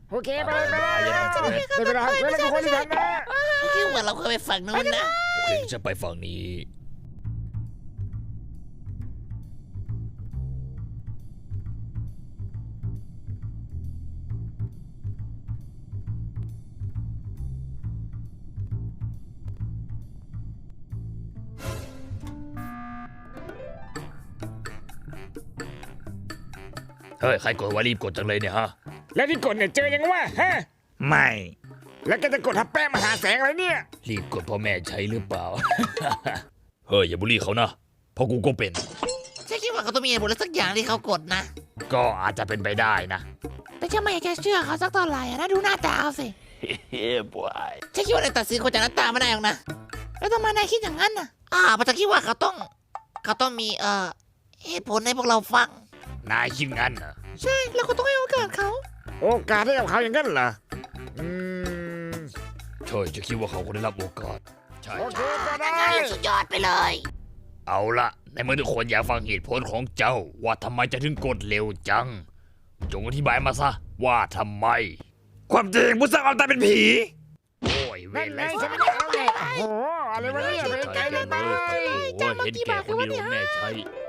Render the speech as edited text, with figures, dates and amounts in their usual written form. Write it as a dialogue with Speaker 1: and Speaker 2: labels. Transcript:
Speaker 1: โอเคไปเลยได้เวลาเพื่อนทุกคนที่ทันนะ
Speaker 2: คิดว่าเราเคยไปฝั่งนู้นนะ
Speaker 3: โอเคจะไปฝั่งนี้เฮ้ยใครกดว่ารีบกดจังเลยเนี่ยฮะ
Speaker 1: แล้วที่กดเนี่ยเจอยังวะฮะ
Speaker 3: ไม่
Speaker 1: แล้วก็จะกดทับแป้งมหาแสงอะไรเนี่ย
Speaker 3: รีบกดพ่อแม่ใช้หรือเปล่า เฮ้ยอย่าบูลลี่เขานะเพราะกูก็เป็น
Speaker 2: ฉันคิดว่าเขาต้องมีเหตุผลอะไรสักอย่างที่เขากดนะ
Speaker 3: ก็อาจจะเป็นไปได้นะ
Speaker 2: แต่ฉันไม่อยากจะเชื่อเขาสักเท่าไหร่นะดูหน้าตาเขาสิ
Speaker 3: เฮ้ยบอย
Speaker 2: ฉันคิดว่านายตัดสินคนจากหน้าตาไม่ได้หรอกนะแล้วทำไมนายคิดอย่างนั้นน่ะเพราะฉันคิดว่าเขาต้องมีเหตุผลให้พวกเราฟัง
Speaker 3: นายคิดงั้นเหรอ
Speaker 2: ใช่เราก็ต้องให้โอกาสเขา
Speaker 1: โอกาสให้กับเขาอย่างนั้นเหรอม
Speaker 3: ใช่จะคิดว่าเขาควรได้รับโอกาสใช่
Speaker 1: โอเคก็ได้
Speaker 2: สุดยอดไปเลย
Speaker 3: เอาละในเมื่อทุกคนอยากฟังเหตุผลของเจ้า ว่าทำไมจะถึงกดเร็วจัง จงอธิบายมาซะว่าทำไม ความจริงผู้สร้างความตายเป็นผี โอ้ยเว
Speaker 1: นั่น
Speaker 3: ร
Speaker 1: ไง
Speaker 3: และ
Speaker 1: ฉันไม่ได้เอาเลยโอ้โหอะไรวะเนี่ยไปไกลเลยไป
Speaker 3: โอ้ยเห็นแก่คนเดียวแม่ใช้